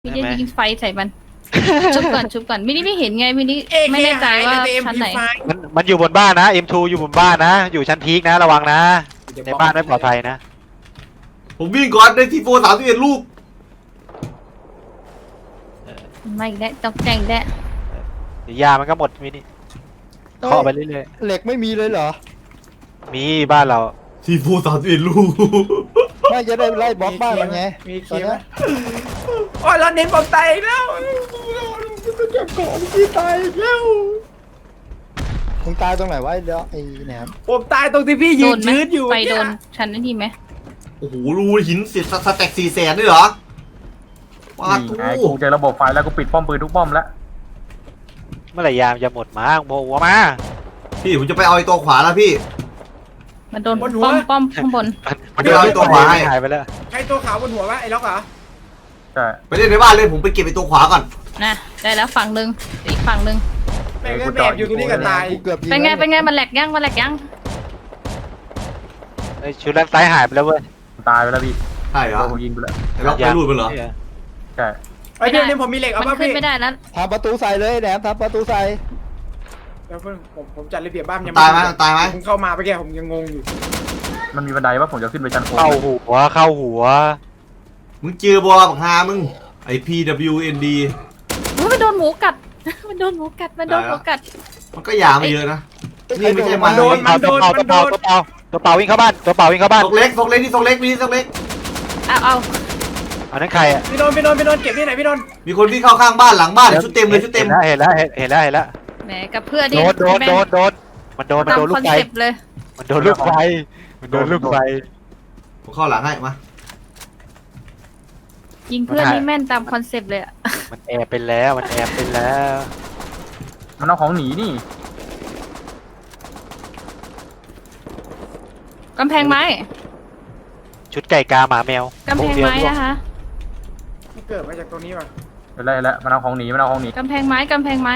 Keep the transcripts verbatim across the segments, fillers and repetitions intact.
มินิยิงไฟใส่มัน ชุบก่อนชุบก่อนมินิไม่เห็นไงมินิเอไม่แน่ใจว่าเอ็มชั้นพีไหนไฟมันมันอยู่บนบ้านนะ เอ็ม ทู อยู่บนบ้านนะ อยู่ชั้นพีคนะระวังนะ ในบ้านไม่ปลอดภัยนะผมวิ่งก่อนได้ทีโฟสามสิบเอ็ดลูกไม่ได้ตกแต่งได้เดี๋ยวยามันก็หมดมินิเคาะไปเรื่อยเหล็กไม่มีเลยเหรอๆมีบ้านเราทีโฟสามสิบเอ็ดลูกไม่จะได้ไล่บล็อกบ้านมันไงมีตอเคีนยวเนี้ยโอ้ยเราเน้นผมตายอีกแล้วเก็บของที่ตายแล้วมึงตายตรงไหนวะไอ้เดี๋ยวไอ้แหนมผมตายตรงที่พี่ยืโดนนไหมชื้นอยู่ไฟโดนชั้นนั้นทีไหมโอ้โหรูหินเสียสแต็กสี่แสนด้วยเหรอว้านี่ตู้ไงกูเจอระบบไฟแล้วกูปิดป้อมปืนทุกป้อมแล้วเมื่อไหร่ยามจะหมดมาโมหัวมาพี่ผมจะไปเอาไอ้ตัวขวาแล้วพี่มันโดนป้อมป้อมข้างบนมันเดี๋ยวเอาไอ้ตัวขวาให้หายไปแล้วใครตัวขาวบนหัววะไอ้ล็อกเหรอใช่ไปเล่นในบ้านเลยผมไปเก็บไอ้ตัวขวาก่อนนะได้แล้วฝั่งหนึ่งอีกฝั่งหนึ่งแม่งก็แบบอยู่ตรงนี้กันตายกูเกือบยิงเป็นไงแล้วเป็นไงมันแหลกยังมันแหลกยังไอ้ชุดด้านซ้ายหายไปแล้วเว้ยตายไปแล้วพี่ใช่เหรอโดนผมยิงไปแล้วไอ้ล็อกไปรูดไปเหรอใช่ไอ้เดี๋ยวนี้ผมมีเหล็กเอามันป่ะขึ้นพี่ไม่ได้แล้วทำประตูใส่เลยแหนมทำประตูใส่เดี๋ยวเพิ่งผมผมจัดระเบียบบ้านยังตายไหมตายไหมผมเข้ามาไปแกผมยังงงอยู่มันมีบันไดว่าผมจะขึ้นไปชั้นโค้งเข้าหัวเข้าหัวมึงเจอบอลบักฮามึงไอ พี ดับเบิลยู เอ็น ดีอุ๊ยมันโดนหมูกัด มันโดนหมูกัดมันโดนหมูกัดมันก็หยาไม่เยอะนะ นี่ไม่ใช่มันโดนมันโดตัวน เป่ามัตัวนโดเป่าน ตัวเป่าตัวเป่าวิ่งเข้าบ้านตัวเป่าวิ่งเข้าบ้านทรงเล็กทรงเล็กนี่ทรงเล็กมีทรงเล็กเอาเอาอันนั้นใครอ่ะพี่โดนพี่โดนพี่โดนเก็บที่ไหนพี่โดนมีคนวิ่งเข้าข้างบ้านหลังบ้านชุดเต็มเลยชุดเต็มเห็นแล้วเห็นแล้วเห็นแล้วแหมกับเพื่อนโดที่นโดนโดนโดนมันโดนมันตามโดนลูคอก นไฟเซ็ปต์เลยมันโดนลูกไฟมันโดนลูกไฟผมเข้าหลังให้มายิงเพื่อนมันหานี่แม่นตามคอนเซ็ปต์เลยอะมันแอบเป็นแล้วมันแอบเป็นแล้วมันเอาของหนีนี่กำแพงไม้ชุดไก่กาหมาแมวกำแพงไม้นะคะที่เกิดมาจากตรงนี้ป่ะเดี๋ยวแล้วแล้วมันเอาของหนีมันเอาของหนีกำแพงไม้กำแพงไม้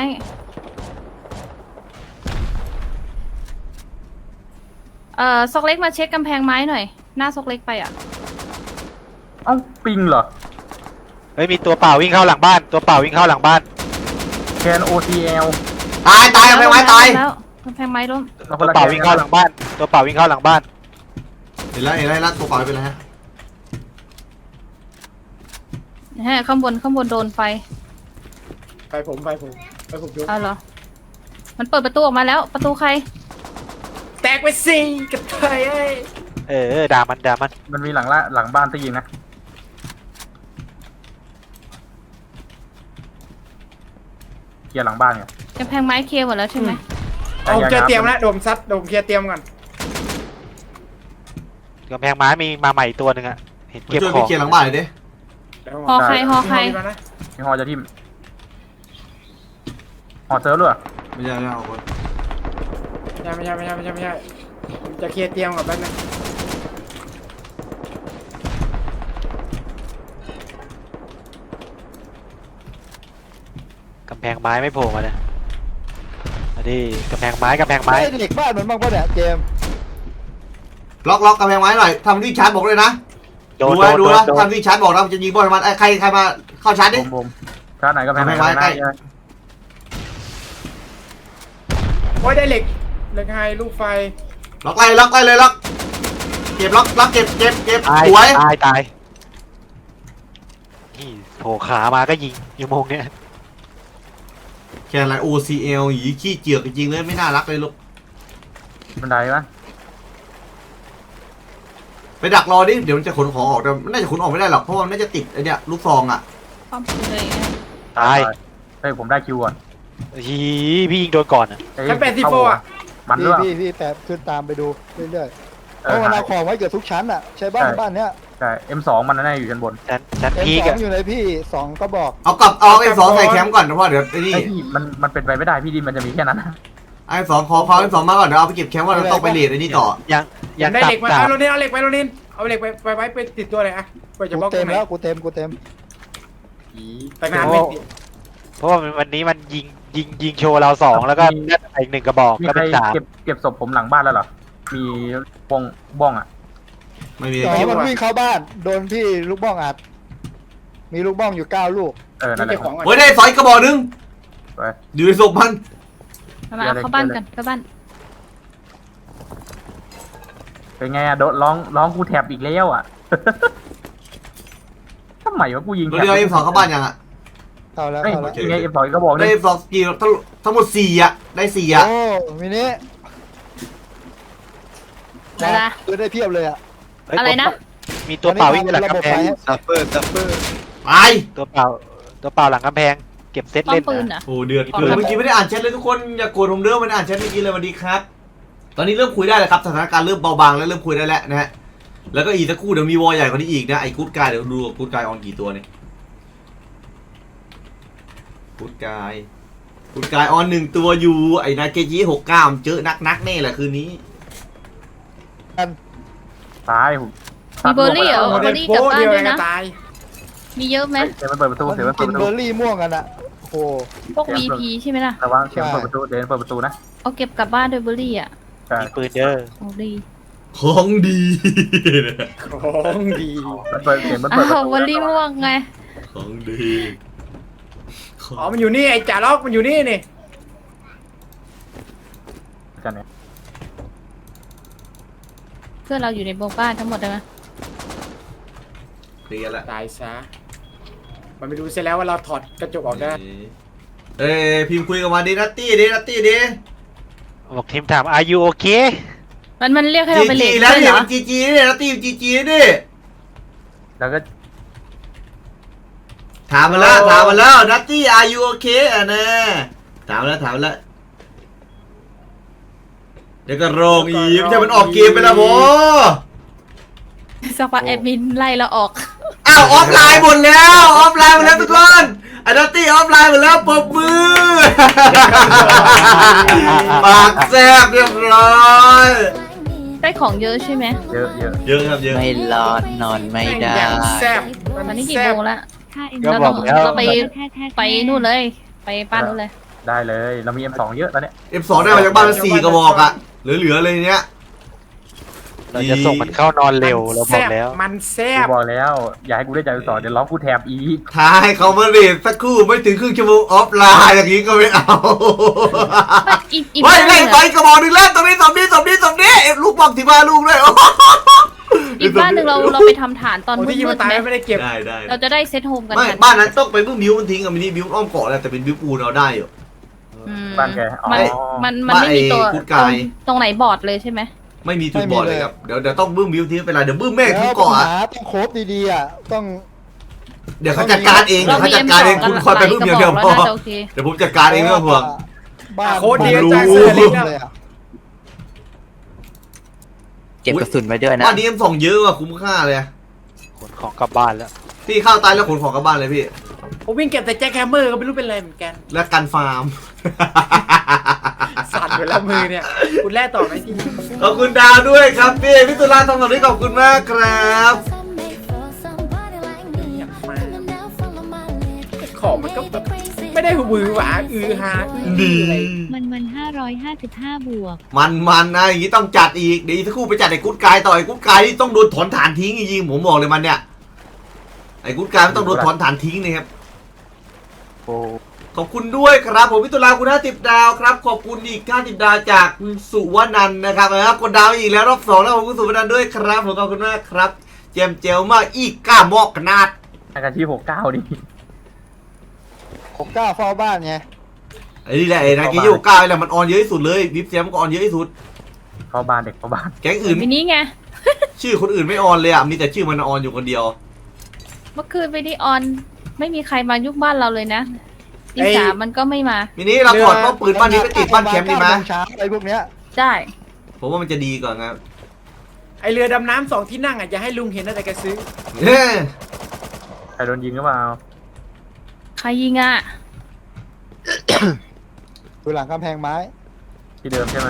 เอ่อซอกเล็กมาเช็คกำแพงไม้หน่อย หน้าซอกเล็กไปอ่ะเอ้าปิงเหรอเฮ้ยมีตัวเปล่าวิ่งเข้าหลังบ้านตัวเปล่าวิ่งเข้าหลังบ้านแคนโอทีเอลตายตายเอาไปไว้ตายแล้วกำแพงไม้ล้มตัวเปล่าวิ่งเข้าหลังบ้านตัวเปล่าวิ่งเข้าหลังบ้านเห็นแล้วเห็นแล้วตัวเปล่าเป็นไรฮะฮะข้างบนข้างบนโดนไฟไปผมไปผมไปผมยกเอาเหรอ มันเปิดประตูออกมาแล้ว ประตูใครแตกไปสิกับเธอเอ้ยเออด่ามันด่ามันมันมีหลังละหลังบ้านตียิงนะเคลียร์หลังบ้านไงกำแพงไม้เคลียร์หมดแล้วใช่ไหมเอาผมเจอเตรียมแล้วโดมซัดโดมเคลียร์เตรียมก่อนกำแพงไม้มีมาใหม่ตัวหนึ่งอะเห็นมาเก็บช่วยขอพี่งเคลียร์หลังบ้านหน่อยดิเดี๋ยวหอใครหอใครมีมานะมีฮอจะทิ่มฮอเซิร์ฟด้วยไม่ใช่ไม่ใช่เอาคนไม่ใช่ไม่ใช่ไม่ใช่ไม่ใช่ไม่ใช่ผมจะเคลียร์เตรียมก่อนแป๊บนึงกำแพงไม้ไม่โผล่มาเลยอันนี้กำแพงไม้กำแพงไม้ไอ้เหล็กบ้านมันบ้างปะเนี่ยเจมส์ล็อกล็อกกำแพงไว้หน่อยทำวิ่งชาร์จบอกเลยนะโดดูนโดไว้นดูโดนนะโดนทำวิ่งชาร์จบอกนะจะยิงบอลมันไอ้ใครใครมาเข้าชาร์จดิบุมบุมชาร์จไหนก็แพงกำแพงไหนไม้ใกล้นะโอ้ยได้เหล็กเหล็กไฮลูกไฟล็อกไล่ล็อกไล่เลยล็อกเก็บล็อกล็อกเก็บเก็บเก็บตายสวยตายตายนี่โผล่ขามาก็ยิงอยู่โมงเนี้ยแค่อะไร โอ ซี แอล หยีขี้เจือกจริงๆเลยไม่น่ารักเลยลูกบันไดปะไปดักรอดิเดี๋ยวมันจะขนของออกแต่มันน่าจะขนออกไม่ได้หรอกเพราะมันน่าจะติดไอเนี้ยลูกซองอ่ะป้อมปืนเลยนะตายเฮ้ยผมได้คิวก่อนฮีพี่ยิงโดนก่อนอะเอ้ยชั้นแปดสิบโฟอ่ะมันพี่ด้วยพี่พี่แปะขึ้นตามไปดูเรื่อยๆเพเออราะมันเอาของไว้เกือบทุกชั้นอ่ะใช่บ้านใช่บ้านเนี้ยใช่เอ็มสองมันน่าจะอยู่ชั้นบนชั้นชั้นเอ็มพีกสออะงอยู่ในพี่สองก็บอกเอากลับเอาไอ้สองใส่แคมป์ก่อนนะพ่อเดี๋ยวไอ้นี่ไอ้พี่มันมันเป็นไปไม่ได้พี่ดินมันจะมีแค่นั้นนะไอ้สองขอเขาไอ้สองมาก่อนเดี๋ยวเอาไปเก็บแคมป์ว่าเราต้องไปเลดไอ้นี่ต่อยังอยัยาง กได้ตัเหบล็กมาตัเอาบโรนินเอาเหล็กไปโรนินเอาเหล็กไปไปไว้ไปติดตัวเลยอะเพื่อจะบล็อกตกูเต็รมงไหนแล้วกูเต็มกูเต็มแต่งานไม่ติดเพราะว่าวันนี้มันยิงยิงยิงโชว์เราสองแล้วก็ได้อีกหนึ่งกระบอกมีก็ใครเป็นสามเก็บเก็บศพผมหลังบ้านแล้วเหรอมีปงบ้องอ่ะไม่มีต่อมันวิ่งเข้าบ้านโดนพี่ลูกบ้องอัด มมีลูกบ้องอยู่เก้าลูกเออนั่นแหเก็ละบของก่อนโอ้ยได้สอยกระบอกหนึงไปอยู่ในศพมันมาเอาเข้าบ้านกันเข้าบ้านเป็นไงอะโดนร้องร้องกูแถบอีกแล้วอะ ทำไมวะกูยิงเราเดียวเอ็มสองเข้าบ้านยังอ่ะเข้าแล้วเฮ้ยเข้าแล้วยังไงเอ็มสองก็บอกได้ได้เอ็มสองกี่ทั้งทั้งหมดสี่อ่ะได้สี่อ่ะโอ้มินิอะไรนะซื้อได้เพียบเลยอ่ะเฮ้ยอะไรนะมีตัวเปล่าวิ่งไปหลังกำแพงซัฟเฟอร์ซัฟเฟอร์ไปตัวเปล่าตัวเปล่าหลังกำแพงเก็บเซตป้อเล่มนปืนนะอ่ะโอ้เดือดขอเดือดครับเมื่อกี้ไม่ได้อ่านแชทเลยทุกคนอย่าโกรธผมเด้อไม่ได้อ่านแชทเมื่อกี้เลยสวัสดีครับ ตอนนี้เริ่มคุยได้แล้วครับสถานการณ์เริ่มเบาบางแล้วเริ่มคุยได้แล้วนะฮะแล้วก็อีกสักครู่เดี๋ยวมีวอลใหญ่กว่านี้อีกนะไอ้กู๊ดกายเดี๋ยวดูกู๊ดกายออนกี่ตัวเนี่ยกู๊ดกายกู๊ดกายออนหนึ่งตัวอยู่ไอ้นาเกจิหกเก้าเจอนักนักๆแน่แหละคืนนี้ตายผมมีเบอร์รี่เหรอโมเบเดอลร์รี่โป๊กลับบ้านเดียวด้วยกันะนตายมีเยอะไหมเดี๋ยวมันเปิดประตูมันเดี๋ยวมันเปิกิดนประเบตูอร์รี่ม่วงกันอ่ะโอ้โหพวก วี พี ใช่ไหมล่ะระวังเดี๋ยวมันเปิดประตูเดี๋ยวมันเปิดประตูนะเอาเก็บกลับบ้านด้วยเบอร์รี่อ่ะใช่มีปืนเด้อโอ้ดีของดีของดีมันเปิดเดี๋ยวมันอ้าเปิดประวตูเบอร์รี่ม่วงไงของดีของอ๋อมันอยู่นี่ไอ้จ่าล็อกมันอยู่นี่นี่กันเนี่ยเพื่อนเราอยู่ในโบบ้านทั้งหมดเลยไหมเคลียร์ละตายซะมันไม่รู้เสียแล้วว่าเราถอดกระจกออกได้เอ้ยพิมพ์คุยกับมาดินัตตี้ดินัตตี้ดิบอกทีมถาม are you okay มันมันเรียกให้เราจีไปเลจีทแล้วด้วยเนี่เหรอยมันจีจีนี่นัตตี้จีจีนี่แล้วก็ถามมาแล้วถามมาแล้วนัตตี้ are you okay อ่ะนะถามแล้วถามแล้ว เดี๋ยวก็โรงอีไม่ใช่มันออกเกมไปแล้วโมสักพักแอดมินไล่เราออกอ้าวออฟไลน์หมดแล้วออฟไลน์หมดแล้วทุกคนไอ้นัตตี้ออฟไลน์หมดแล้วปรบมือ ปากแซ่บเรียบร้อยได้ของเยอะใช่ไหมเยอะเยอะเยอะครับเยอะไม่รอดนอนไม่ได้อย่างแซ่บตอนนี้กี่แซ่โมบงแล้วก็บอกแล้วเราไปไปนู่นเลย ไปบ้านนู่นเลยได้เลยเรามี เอ็ม สอง เยอะตอนเนี้ยเอฟสองได้มาจากบ้านละสี่กระบอกอะเหลือๆเลยเนี้ยเราจะส่งมันเข้านอนเร็วเราบอกแล้วมันแซ่กูบบอกแล้วอย่าให้กูได้ใจสอนเดี๋ยวร้องกูแถบอีกท้ายเขามาเรียนสักครู่ไม่ถึงครึ่งชั่วโมงออฟไลน์อย่างนี้ก็ไม่เอาอีกอีกเฮ้ยบ้านหเล่นึ่นงไปอะกระบอกหนึงแล้วตรงนี้สองนี้สองนี้สองนี้เอ็มลูกบอกที่บ้านลูกด้วยอีกบ้านหนึ่งเราเราไปทำฐานตอนโอ้มืที่ยิงดมันๆตายไหมไม่ได้เก็บได้ได้เราจะได้เซตโฮมกันไม่ทันบ้านนั้นต้องไปบึ้มบิวมันทิ้งอะมินิบิวอ้อมเกาะแล้วแต่เป็นบิวปูนเราได้อยู่อืมบ้านแกอ๋อมันมันมันไม่มีตัวบ้านไอ้พุทธกายตรงตรงไหนบอร์ดเลยใช่ไหมไม่มีจุดบอดเลยครับเดี๋ยวเดี๋ยวต้องบึ้มบิวทิ้งไปเลยเดี๋ยวบึ้มแม่งแล้ทิ้งวปัญเกาะอะหาต้องโคบดีๆอ่ะต้องเดี๋ยวเขาจัดการเองเดี๋ยวเขาจัดการเองคุณคอยไปบึ้มอย่างเดียวพอน่าจะโอเคเดี๋ยวผมจัดการเองไม่ต้องห่วงบ้านโค้ดดีบ้านจ้างรู้เสื้อเล็กนะเลยอ่ะเก็บกระสุนไว้ด้วยนะบ้านนี้เอ็มสองเยอะว่ะคุ้มค่าเลยขนของกลับบ้านแล้วพี่เข้าตายแล้วขนของกลับบ้านเลยพี่ผมวิ่งเก็บแต่แจ็คแฮมเมอร์ก็ไม่รู้เป็นอะไรเหมือนกันและกันฟาร์มสั่นไปแล้วมือเนี่ย คุณแล่ต่อไหมทีขอบคุณดาวด้วยครับพี่พี่ตุลาทองสำลีขอบคุณมากครับอยากมาของมันก็แบบไม่ได้หือหวาอือฮาอื้อดีอะไรมันมันห้าร้อยห้าสิบห้าบวกมันมันนะอย่างนี้ต้องจัดอีกเดี๋ยวอีกสักครู่ไปจัดไอ้กุ๊ดกายต่อไอ้กุ๊ดกายนี่ต้องโดนถอนฐานทิ้งจริงๆผมบอกเลยมันเนี่ยไอ้กุ๊ดกายมันต้องโดนถอนฐานทิ้งนะครับโอ้ขอบคุณด้วยครับผมพิตุลาคุณห้าสิบดาวครับขอบคุณอีกห้าสิบดาวจากคุณสุวนันท์นะครับนะครับกดดาวอีกแล้วรอบสองแล้วขอบคุณสุวนันท์ด้วยครับผมขอบคุณมากครับเจมเจลมากอีกก้ามอกขนาดอาการที่หกเก้าดิหกเก้าเฝ้าบ้านไงไอ้นี่แหละไอ้นากิโยก้าไอ้แหละมันออนเยอะที่สุดเลยวิปเซียมก็ออนเยอะที่สุดเข้าบ้านเด็กเข้าบ้านแก๊งอื่นวันนี้ไงชื่อคนอื่นไม่ออนเลยอ่ะมีแต่ชื่อมันออนอยู่คนเดียวเมื่อคืนไปที่ออน ไม่มีใครมายุคบ้านเราเลยนะตีสามมันก็ไม่มามินี้เราถอดป้อมปืนบ้านนี้ไปติดบ้านแคมป์ดีไหมเก้าโงเช้าไอ้พวกเนี้ยได้ผมว่ามันจะดีกว่าครับไอเรือดำน้ำสองที่นั่งอ่ะอย่าให้ลุงเห็นนะแต่แกซื้อเฮ้ยใครโดนยิงหรือเปล่าใครยิงอ่ะอยู่หลังกำแพงไม้ที่เดิมใช่ไหม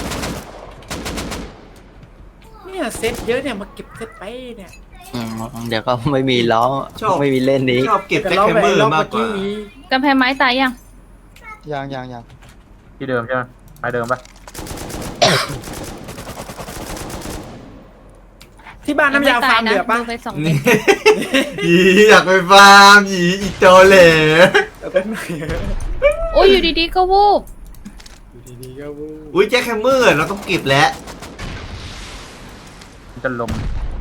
เนี่ยเซ็ตเยอะเนี่ยมาเก็บเซ็ตไปเนี่ยอืมเดี๋ยวก็ไม่มีล้อไม่มีเล่นนี้ชอบเก็บแต่แจ็คเราแคมไปเมอร์รอบมาเมื่กอก กี้ว่านี้กำแพงไม้ตายยังยังยังยังที่เดิมใช่ไหมไปเดิมปะที่บ้านน้ำยาฟาร์มเดือดปะดูไปสองเม็ดหยีอยากไปฟาร์มหยีอีโจเหล่เอาเป็นไหนโอ้ยอยู่ดีๆก็วูบอยู่ดีๆก็วูบอุ้ยแจ็คแฮมเมอร์เราต้องเก็บแล้วจะลม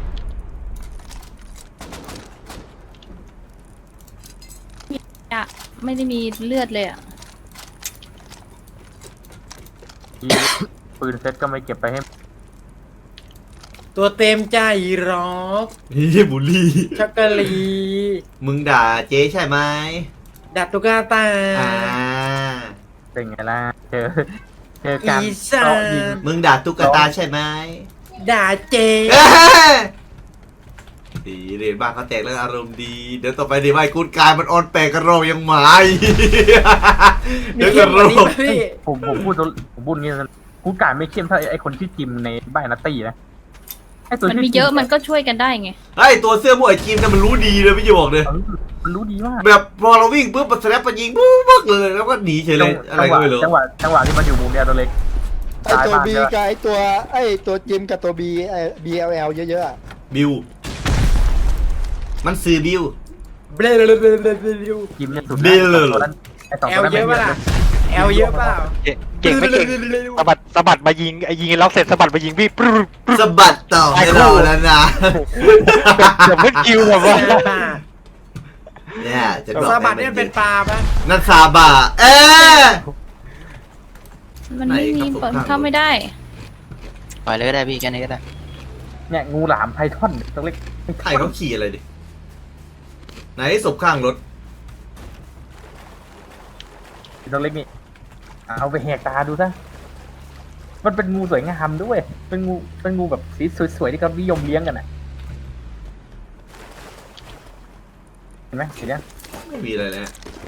อะไม่ได้มีเลือดเลยอะที่ปืนเซ็ตก็ไม่เก็บไปให้ตัวเต็มใจรอกนี่บุลี่ช็อกโกแลตมึงด่าเจ๊ใช่ไหมดัดตุกาตาอ่าเป็นไงล่ะเจอเจอการอีสานเจาะยิงมึงด่าตุ๊กตาใช่ไหมด่าเจเอ้ยดีเรียนบ้านเขาแตกแล้วอารมณ์ดี เดี๋ยวต่อไปดีว่าไอ้กูดกายมันออนแปลกกระโรกยังหมาอีกมีเดี๋ยวเข้กมระกโรว่านี้กไหมพี่ผมผมพูดตัวผมพูดงี้นะกูการไม่เข้มเท่าไอ้คนชื่อจิมในบ้านนัตตี้นะไอ้ตัวมันชื่มีเยอะมันก็ช่วยกันได้ไงไอ้ตัวเสื้อม่วงไอ้จีมเนี่ยมันรู้ดีเลยพี่จะบอกเลยเออมันรู้ดีมากแบบพอเราวิ่งปุ๊บมันสแลปมันยิงปุ๊บปุ๊บเลยแล้วก็หนีเฉยเลยอะไรก็ไม่รู้จังหวะจังหวะที่มันอยู่มุมเดียวตัวเล็กไอตัวบีกับไอตัวไอตัวจิมกับตัวบีไอบีเอลเอลเยอะๆอะบิว มันซื้อบิวเบลอเบลอเบลอเบลอเบลอจิมเนี่ยสุดเบลเลยไอ้สองแอตัวลนั้นเยอะปะล่ะแอลเยอะเปล่าเก่งไม่เก่งสะบัดสะบัดมายิงไอ้ยิงล็อกเสร็จสะบัดมายิงพี่ปรึ๊บปรึ๊บสะบัดต่อให้เราแล้วนะเดี๋ยวไม่คิวแบบว่าซาบะเนี่ยจะบอกซาบะให้เนี่ยเป็นปลาปะนั่นซาบะเอ๊ะมันไม่มีไหนครับผมเปิดเข้าไม่ได้ปล่อยเลยก็ได้พี่แค่นี้ก็ได้เนี่ยงูหลามไพทอนตัวเล็กใครเขาขี่อะไรดิไหนศพข้างรถตัวเล็กนี่เอาไปแหกตาดูซะมันเป็นงูสวยงามด้วย เป็นงูเป็นงูแบบสีสวยๆที่เขานิยมเลี้ยงกันอ่ะเห็นไหมสีเนี้ยไม่มีอะไรเลย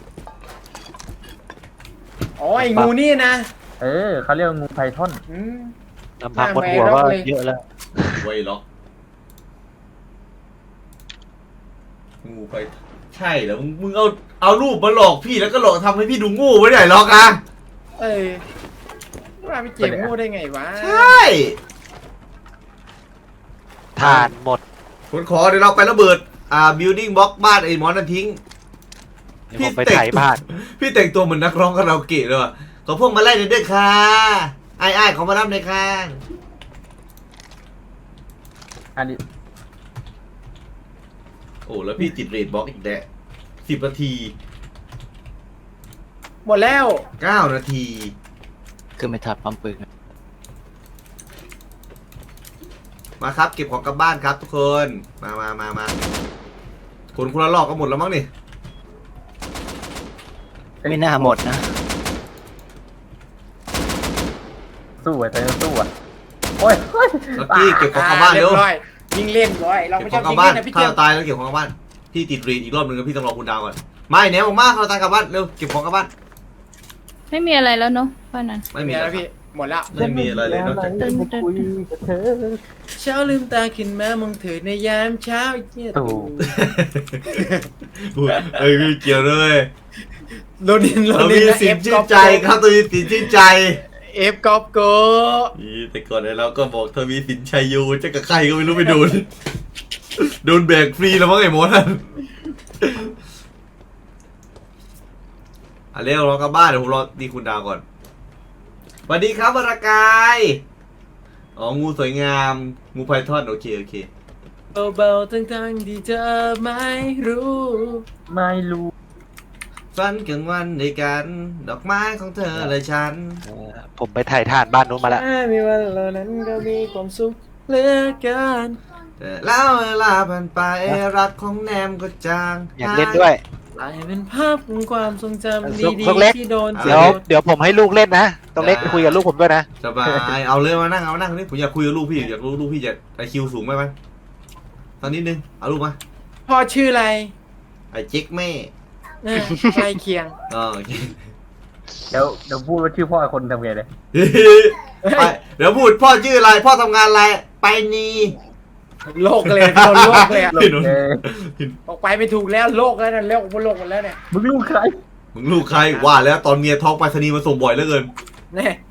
อ๋อไอ้งูนี่นะเออเขาเรียกว่างูไพทอนอืมลำพังบนหัวก็เยอะแล้วไว้ล็อกงูไปใช่แล้วมึงมึงเอาเอารูปมาหลอกพี่แล้วก็หลอกทำให้พี่ดูโงูไว้ไหนหรอกอ่ะเอ้ยว่าไปเจ็บงูได้ไงวะใช่ทานหมดคนขอเดี๋ยวเราไประเบิดอ่า building block บ้านไอ้หมอนั่นทิ้งเดี๋ยวผมไปถ่ายบ้านพี่แต่งตัวเหมือนนักร้องคาราโอเกะเลยว่ะขอพวกมาไล่หน่อยด้วยค่ะไอ้ไอ้ายๆขอมารับหน่อยค่ะอันนี้โอ้แล้วพี่ติดเรทบล็อกอีกแดะสิบนาทีหมดแล้วเก้านาทีคือไม่ทับปั๊มปืนมาครับเก็บของกลับบ้านครับทุกคนมามามามาคนคนละรอบก็หมดแล้วมั้งนี่ไม่น่าหมดนะสู้อ่ะแต่สู้อ่ะโอ้ยเฮ้ยลักกี้เก็บของกลับบ้านเรีเร็ยว บร้อยยิงเล่นร้อยเราเก็บไม่ขชออบงกลัยิบงบ้านเล่นนะพี่ถ้าเจียวเราตายแล้วเก็บของกลับบ้านพี่ติดเรทอีกรอบนึงแล้วพี่ต้องรอคุณดาวก่อนไม่แนวออกมาเขาตายกลับบ้านเร็วเก็บของกลับบ้านไม่มีอะไรแล้วเนาะบ้านนั้นไม่ไม่มีมีอะไรแล้วพี่หมดแล้วไม่มีอะไรเลยนอกจากตึ้งตึ้งคุยกับเธอเช้าลืมตาขึ้นมามองเธอในยามเช้าไอ้เจี๊ยถูกเอ้ยไม่เกี่ยวเลยโดนินโดเรานิมีนนะสิเอน ฟชื่กนอล์ฟใจครับตัวมีสินชื่นใจเอฟกอล์ฟโกนี่แต่ก่อนเนี่ยเราก็บอกทวีสินชัยยูจะกับใครก็ไม่รู้ไปโดน โดนแบกฟรีแล้วมั้งไอ้หมอนั่นอ่ะเร็วรอกลับบ้านเดี๋ยวผมรอดีคุณดาวก่อนสวัสดีครับวรากายอ๋องูสวยงามงูไพทอนโอเคโอเคเบาๆทั้งๆที่เธอไม่รู้ไม่รู้ฝันกลางวันด้วยกัน ดอกไม้ของเธอและฉันเออผมไปถ่ายทานบ้านนู้นมาแล้วแค่มีวันเหล่านั้นก็มีความสุขเหลือเกินแต่แล้วเวลาผ่านไปรักของแนมก็จางอยากเล่นด้วยกลายเป็นภาพของความทรงจำลูกดีลูกเล็กๆที่โดนเดี๋ยวเดี๋ยวผมให้ลูกเล่นนะต้องเล็กคุยกับลูกผมด้วยนะสบายเอาเลยมานั่งเอามานั่งนี่ผมอยากคุยกับลูกพี่อยากรู้ลูกพี่จะไอคิวสูงไหมไหมตอนนิดนึงเอาลูกมาพ่อชื่ออะไรไอเจ๊กแม่เออใกล้เคียงอ๋อโอเคเดี๋ยวเดี๋ยวพูดว่าชื่อพ่อคนทำไงเลยไปเดี๋ยวพูดพ่อชื่ออะไรพ่อทำงานอะไรไปนีโลกเลยโดนโลกเลยอะเห็นไหมเออออกไปไม่ถูกแล้วโลกแล้วนะโลกบนโลกหมดแล้วเนี่ยมึงลูกใครมึงลูกใครว่าแล้วตอนเมียท้องไปรษณีย์มาส่งบ่อยเหลือเกินเนี่ย